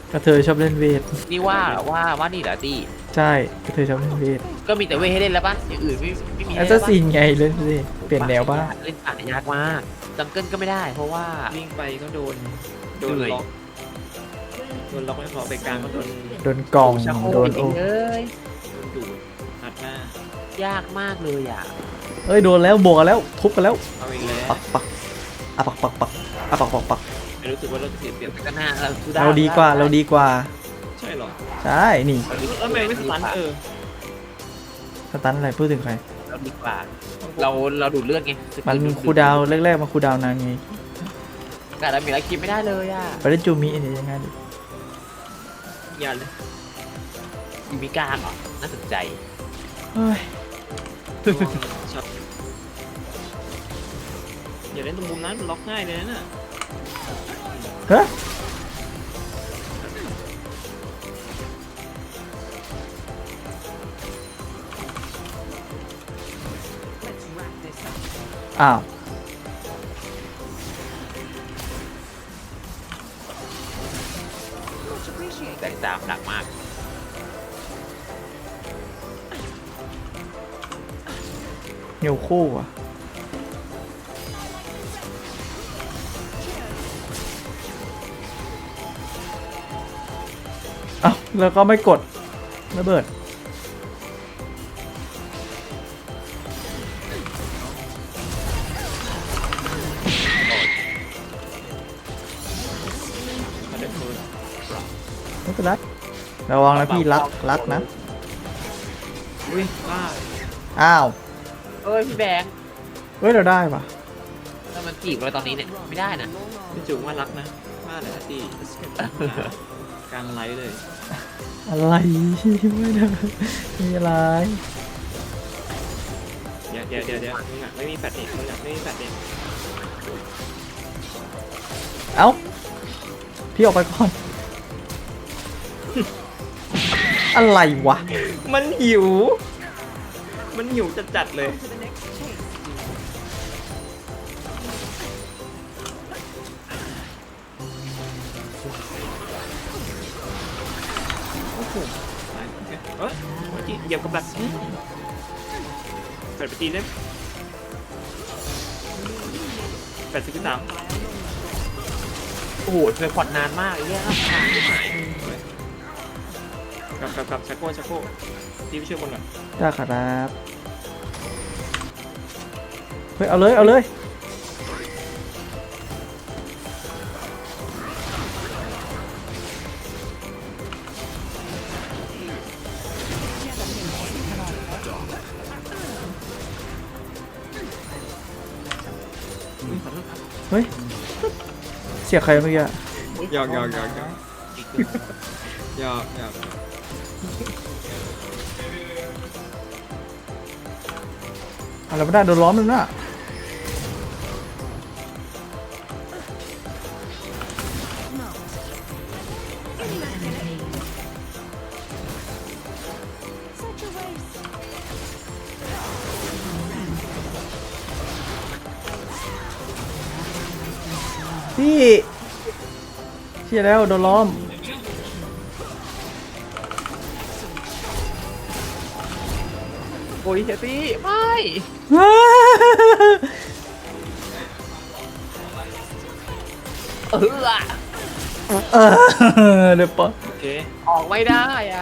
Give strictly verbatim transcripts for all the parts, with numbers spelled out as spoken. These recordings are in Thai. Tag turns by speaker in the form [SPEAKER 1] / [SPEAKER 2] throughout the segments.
[SPEAKER 1] กระเทยชอบเล่นเวท
[SPEAKER 2] นี่ว่าว่าว่านี่เหรอตี
[SPEAKER 1] ใช่กระเทยชอบเล่นเวท
[SPEAKER 2] ก็มีแต่เวทให้เล่นแล้วปะอย่างอื่นไม่ไม่มี
[SPEAKER 1] แอ
[SPEAKER 2] ให้
[SPEAKER 1] ส
[SPEAKER 2] เล่
[SPEAKER 1] ซั
[SPEAKER 2] น
[SPEAKER 1] ส
[SPEAKER 2] ปะ
[SPEAKER 1] ซินไงเล่นสิเปลี่ยนแนวบ้าง
[SPEAKER 2] เล่นป่ายากมากจังเกิลก็ไม่ได้ เพราะว่า
[SPEAKER 3] วิ่งไปก็โดนโดน
[SPEAKER 2] เหนื่อย
[SPEAKER 3] ล็อกโดนล็อกไม่พอไปกลางก็โดน
[SPEAKER 1] โดนกล่อง
[SPEAKER 2] ชักโคร
[SPEAKER 1] โด
[SPEAKER 2] ก
[SPEAKER 1] น
[SPEAKER 2] จริ
[SPEAKER 1] โอ้
[SPEAKER 2] งๆเอ้ย
[SPEAKER 3] โดนดูดอัดหน้าย
[SPEAKER 2] ากมากเลยอ่ะ
[SPEAKER 1] เอ้ยโดนแล้วบวกกันแล้วทุบกันแล้ว
[SPEAKER 3] เอาอีกแล้ว
[SPEAKER 1] ปักปักอ่ะปักปักปักอ่ะปักปักปัก
[SPEAKER 3] ไม่รู้สึกว่าเราจะเสียเปรียบ
[SPEAKER 2] ก็น่าเราสู้ได้
[SPEAKER 1] เราดีกว่าเราดีกว่า
[SPEAKER 3] ใช่หรอ
[SPEAKER 1] ใช่นี่
[SPEAKER 3] เออแล้วทำไมไม่สตันเออ
[SPEAKER 1] สตันอะไรพูดถึงใคร
[SPEAKER 2] เราดีกว่า เราเราดูดเลือดไง
[SPEAKER 1] มันคูลดาวน์แรกๆมาคูลดาวน์นานไง
[SPEAKER 2] แต่เรามีอะไรคิดไม่ได้เลยอ่ะ
[SPEAKER 1] ไปเล่นจูมิเนี่ยยังไงดิ
[SPEAKER 3] อย่าเลย
[SPEAKER 2] ยูมิกล้าเหรอน่าสนใจ
[SPEAKER 1] เฮ้ย
[SPEAKER 3] ช็อตอย่าเล่นตรงมุมนั้นมันล็อกง่ายเลยนะ
[SPEAKER 1] ฮะอ้าว
[SPEAKER 2] แตกต่างหนักมาก
[SPEAKER 1] เหี่ยวคู่อ่ะเอ้าแล้วก็ไม่กดระเบิด
[SPEAKER 3] มาเดินมือ
[SPEAKER 1] ไม่เป็นไรระวังนะพี่รักรักนะ
[SPEAKER 3] อุ้ยบ้า
[SPEAKER 1] อ้าว
[SPEAKER 2] เอ้ยพี่แบงค์
[SPEAKER 1] เฮ้ยเราได้ปะ
[SPEAKER 2] ถ้ามันจีบเราตอนนี้เนี่ยไม่ได้นะ
[SPEAKER 3] พี่จุ๋มว่ารักนะว่าอะไรนะตีกลางไลฟ์เลย
[SPEAKER 1] อะไรไม่ได้มีอะไร
[SPEAKER 3] เดี๋ยวเดี๋ยวเดี๋ยวเดี๋ยวมึงอ่ะไม่มีแฟลชเองมึงอ่ะไม่มีแฟลชเอง
[SPEAKER 1] เอ้าพี่ออกไปก่อน อะไรวะ
[SPEAKER 3] มันหิว มันหิวจัดๆเลยโอ้โหตายเอ้ยเมื่อกี้เหยียบกับดักแปดไปตีได้แปดสิบสาม
[SPEAKER 2] โอ้โหเธอผ่อนนานมากไอ้เหี้ยครับผ่านไม่หาย
[SPEAKER 3] กลับกลับกลับชักโก้ชักโก้ตีไปช่วยคนก่อน
[SPEAKER 1] ได้ครับเฮ้ยเอาเลยเอาเลยเฮ้ยเสียใครเมื่อกี้อะ
[SPEAKER 3] หยอกหยอกหยอกหยอกหยอกหยอก
[SPEAKER 1] อะไรไม่ได้โดนล้อมเลยนะพี่เชี่ยแล้วโดนล้อม
[SPEAKER 2] โอ้ยเฮตี้ไม่ เอออะ
[SPEAKER 1] เออเดี๋ยวปะ
[SPEAKER 3] โอเค
[SPEAKER 2] ออกไม่ได้อ่ะ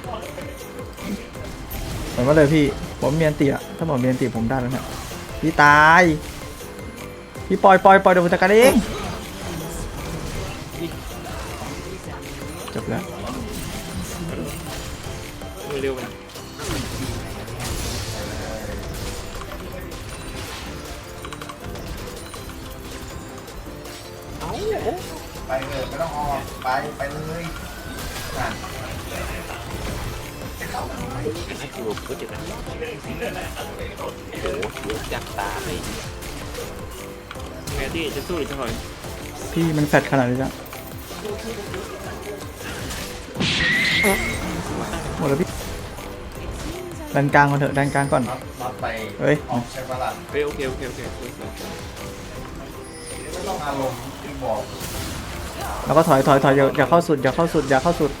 [SPEAKER 1] เหมือนว่าเลยพี่ผมเมียนตีอะถ้าผมเมียนตีผมได้แล้วเนี่ยพี่ตายพี่ปล่อยปล่อยปล่อยเดี๋ยวผมจัดการเองจบแล้ว
[SPEAKER 3] มือเร็วไป
[SPEAKER 2] เอ้า
[SPEAKER 4] ไปเลยไม่ต้องออกไปไปเลยนั่น
[SPEAKER 2] ให้ดูก็เจ็บนะโอ้โหเยอะจังตาเลย
[SPEAKER 3] แมตตี้จะสู้หรือจะถอย
[SPEAKER 1] พี่มันแฟดขนาดนี้แล้วหมดแล้วพี่ดันกลางก่อนเถอะดันกลางก่อน
[SPEAKER 4] น็อตน็อตไป
[SPEAKER 1] เฮ้ย
[SPEAKER 4] ออกใช่ปะล่ะ
[SPEAKER 3] เฮ้ยโอเคโอเคโอเคสวยสวย
[SPEAKER 4] ไม่ต้องอารมณ์ที่บอก
[SPEAKER 1] แล้วก็ถอยถอยถอยอย่าอย่าเข้าสุดอย่าเข้าสุดอย่าเข้าสุด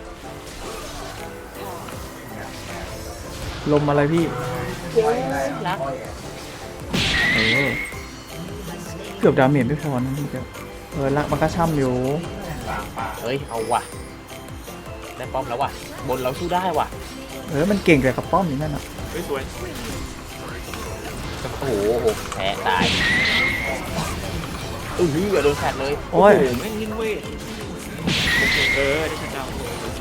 [SPEAKER 1] ลมอะไรพี่
[SPEAKER 2] รัก
[SPEAKER 1] เออเกือบดาเมจไม่พอนะพี่เจ้าเออลักมันก็ช่ำอยู่
[SPEAKER 2] เฮ้ยเอาว่ะได้ป้อมแล้วว่ะบนเราสู้ได้ว่ะ
[SPEAKER 1] เออมันเก่งแต่กับป้อมอย่างนั้นอ่ะ
[SPEAKER 3] เฮ้ยสวย
[SPEAKER 2] โอ้โหแพ้ตายอื้อหือโดนแฟดเลย
[SPEAKER 1] โอ้ย
[SPEAKER 3] โอ้โหแม่งนิ่งเว้ยเออได้ชัดดาวน์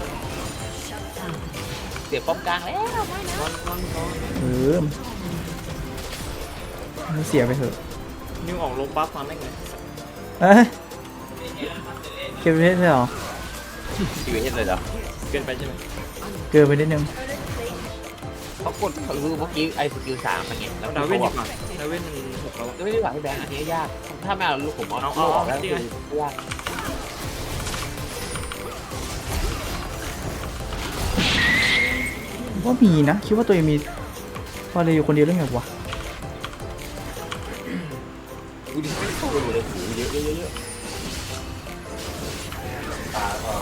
[SPEAKER 2] เสียป้อมกลางแล้ว
[SPEAKER 3] ก้อนก้อนก้อน
[SPEAKER 1] เออมันเสียไปเถอะ
[SPEAKER 3] นิ้วออกลงปั๊บมาแม่งเลย
[SPEAKER 1] เอ้ยเก็บไปได้เหรอ
[SPEAKER 2] ชีวิตเลยเหรอ
[SPEAKER 3] เกินไปใช่ไหม
[SPEAKER 1] เกินไปนิดนึง
[SPEAKER 2] เขากดเขาคือเมื่อกี้ไอ้สกิลสามอะไรเงี้ยแล้ว
[SPEAKER 3] ดาวเว่น
[SPEAKER 2] เขา
[SPEAKER 3] ดี
[SPEAKER 2] บอก
[SPEAKER 3] กว่าดาวเว่นมันหกแล้วอะ
[SPEAKER 2] ไม่ได้หวังให้แบงค์อันนี้ยากถ้าไม่เอาลูกผมเอา
[SPEAKER 3] เอา
[SPEAKER 2] เอา
[SPEAKER 3] เอา
[SPEAKER 2] ออกแล้ว
[SPEAKER 3] นี่
[SPEAKER 2] คื
[SPEAKER 3] ไง
[SPEAKER 2] อยาก
[SPEAKER 1] ว่ามีนะคิดว่าตัวเองมีพอเลยอยู่คนเดียวเรื่องไงวะ
[SPEAKER 2] ดูดิไม่เข้าเลยเลยเยอะเยอะเยอะเยอะ
[SPEAKER 4] ตาก็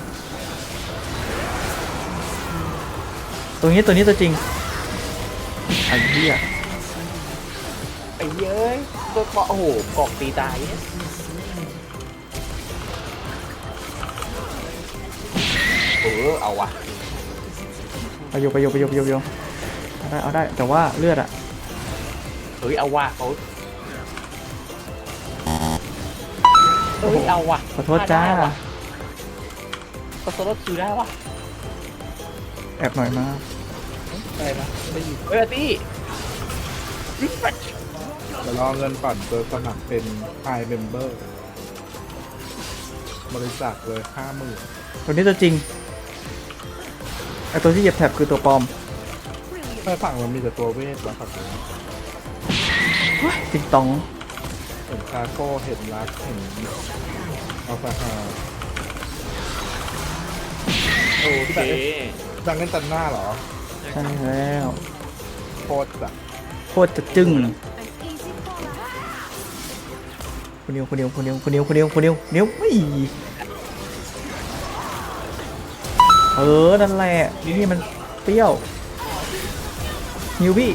[SPEAKER 1] ตัวนี้ตัวนี้ตัวจริงไอ้เหี้ย
[SPEAKER 2] ไอ้เย้ยตัวเกาะโอ้โหกอกตีตายเนี่ยเออเอาว่ะ
[SPEAKER 1] ไปโยไปโยไปโยไปโยไปโยเอาได้เอาได้แต่ว่าเลือดอะ
[SPEAKER 2] เฮ้ยเอาว่ะเขาเฮ้ยเอาว่ะ
[SPEAKER 1] ขอโทษจ้า
[SPEAKER 2] ก็โซโล่คิวได้ว่ะ
[SPEAKER 1] แอบหน่อยมา
[SPEAKER 2] อะไรมาไม่อยู่เฮ้ยอาร์ตี้
[SPEAKER 5] เดี๋ยวรอเงินก่อนเปิดสมัครเป็นไฮเมมเบอร์บริจาคเลยห้าหมื่น
[SPEAKER 1] ตัวนี้ตัวจริงไอตัวที่เหยียบแท็บคือตัวปลอม
[SPEAKER 5] ถ้าฝั่งมันมีแต่ตัวเวทแล้วฝั่งนี้
[SPEAKER 1] ติงตอง
[SPEAKER 5] เห็นคาโก้เห็นรักเห็นอัลฟาฮา
[SPEAKER 3] โอเค
[SPEAKER 5] ดังเล่นตันหน้าเหรอ
[SPEAKER 1] ใช่แล้ว
[SPEAKER 5] โคตรอะ
[SPEAKER 1] โคตรจะจึ้งคนเดียวคนเดียวคนเดียวคนเดียวคนเดียวคนเดียวเดียวไม่เออนั่นแหละนี่มันเปรี้ยวนิวพี่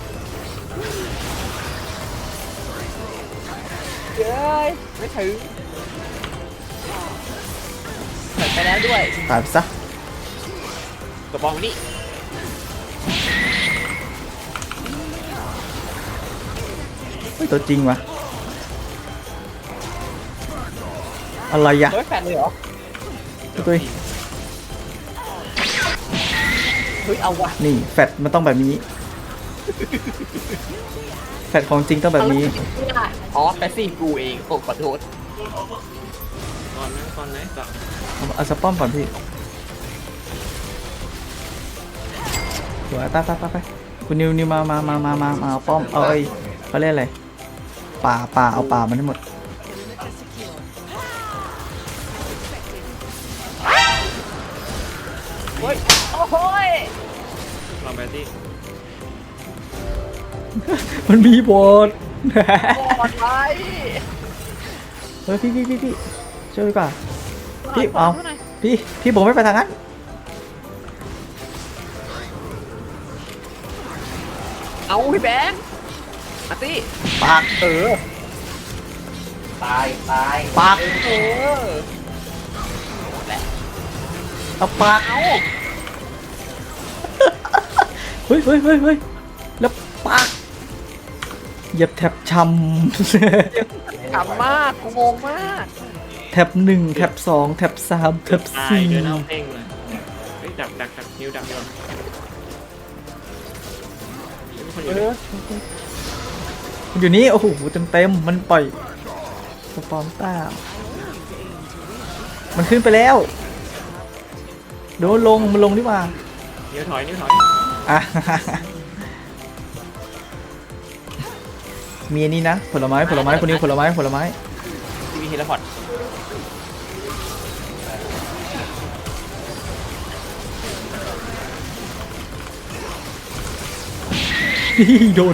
[SPEAKER 2] เย้ยไม่ถึงเปิดไปแล้วด้วย
[SPEAKER 1] ตายไปซะ
[SPEAKER 2] กระบองมานี่
[SPEAKER 1] เฮ้ยตัวจริงวะอะไรอะ
[SPEAKER 2] เฮ้ยแฟนเลยเหรอ
[SPEAKER 1] ตัวตัว
[SPEAKER 2] เฮ้ยเอาว่ะ
[SPEAKER 1] นี่แฟดมันต้องแบบนี้แฟดของจริงต้องแบบนี้
[SPEAKER 2] อ๋อแปซี่กูเองโอ้ขอโทษ
[SPEAKER 3] ก่อนนะก่อนไหนก่อน
[SPEAKER 1] เอาเอาสป้อมก่อนพี่สวยตาตาตาไปคุณนิวนิวมามามามามามาเอาป้อมเอาไอ้เขาเรียกอะไรป่าป่าเอาป่ามันให้หมด
[SPEAKER 2] เฮ้ยโอ้โหย
[SPEAKER 3] รอแบตตี้
[SPEAKER 1] มันมีบท
[SPEAKER 2] บอดไว้
[SPEAKER 1] เฮ้ยพี่พี่พี่พี่ช่วยดีกว่าพี่เอาพี่พี่ผมไม่ไปทางนั้น
[SPEAKER 2] เอาพี่แบงค์อาร์ตี้
[SPEAKER 1] ปาก
[SPEAKER 2] เออ
[SPEAKER 4] ตายตาย
[SPEAKER 1] ปาก
[SPEAKER 2] เออหมดแล้ว
[SPEAKER 1] เอาปาก
[SPEAKER 2] เอา
[SPEAKER 1] เฮ้ยเฮ้ยเฮ้ยเฮ้ยแล้วปากเหยียบแท็บช้ำ
[SPEAKER 2] ขำมากกูงงมาก
[SPEAKER 1] แท็บหนึ่งแท็บสองแท็บสามแท็บ
[SPEAKER 3] ตาย
[SPEAKER 1] สี่
[SPEAKER 3] เดินเอาเพ่งเลยเฮ้ยดักดักดักนิ้วดักดีกว่ามีคนอยู่
[SPEAKER 2] เอ
[SPEAKER 3] ด้วย
[SPEAKER 2] อ
[SPEAKER 1] มันอยู่นี่โอ้โหเต็มเต็มๆมันปล่อยสปอมต้ามันขึ้นไปแล้วโดนลงมันลงดีกว่า
[SPEAKER 3] นิ้วถอยนิ้วถอย
[SPEAKER 1] อ่ะ มีอันนี้นะผลไม้ผลไม้คนนี้ผลไม้ผลไม้
[SPEAKER 2] ทีวีเฮลพอด
[SPEAKER 1] นี่โดน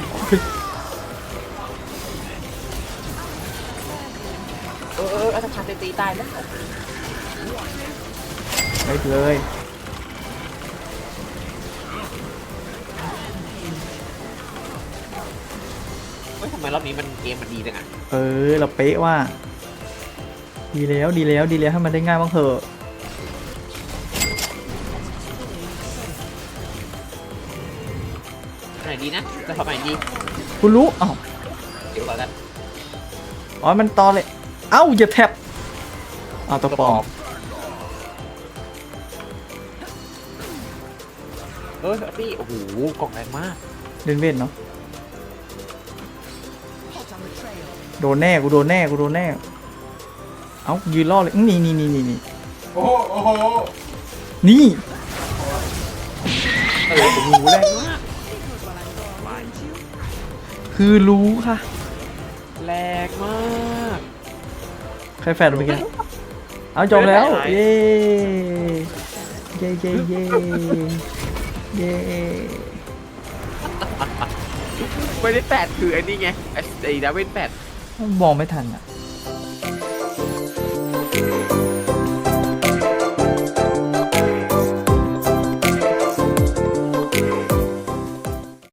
[SPEAKER 2] เออเอออัตราตีตายแล้วโอเค
[SPEAKER 1] ไปเลย
[SPEAKER 2] เฮ้ยทำไมรอบนี้มันเกมมันดีจังอ่ะ
[SPEAKER 1] เออเราเป๊ะว่า ดีแล้วดีแล้วดีแล้วให้มันได้ง่ายบ้างเถอะ
[SPEAKER 2] ไหนดีนะจะทำไหนดี
[SPEAKER 1] คุณรู้อ้าว
[SPEAKER 2] เดี๋ยวก่อนกัน
[SPEAKER 1] อ๋อมันตอเลยเอ้าอย่าแท็บเอาตัวปลอม
[SPEAKER 2] เออพี่โอ้โหกล่องแรงมาก
[SPEAKER 1] เล่นเว้นเนาะโดนแน่กูโดนแน่กูโดนแน่เอ้ายืนล่อเลยอื้อนี่นี่นี่นี่นี่
[SPEAKER 4] โอ้โหโอ้โห
[SPEAKER 1] นี่
[SPEAKER 2] เออโอ้โหแรงมาก
[SPEAKER 1] คือรู้ค่ะ
[SPEAKER 2] แรงมาก
[SPEAKER 1] ใครแฟนไปกันเอาจบแล้ว เย้ เย้เย้เย้เย้
[SPEAKER 2] ไม่ได้แปดคือไอ้นี่ไงไอ้ไอ้ดาวินแปด
[SPEAKER 1] มองไม่ทันอ่ะ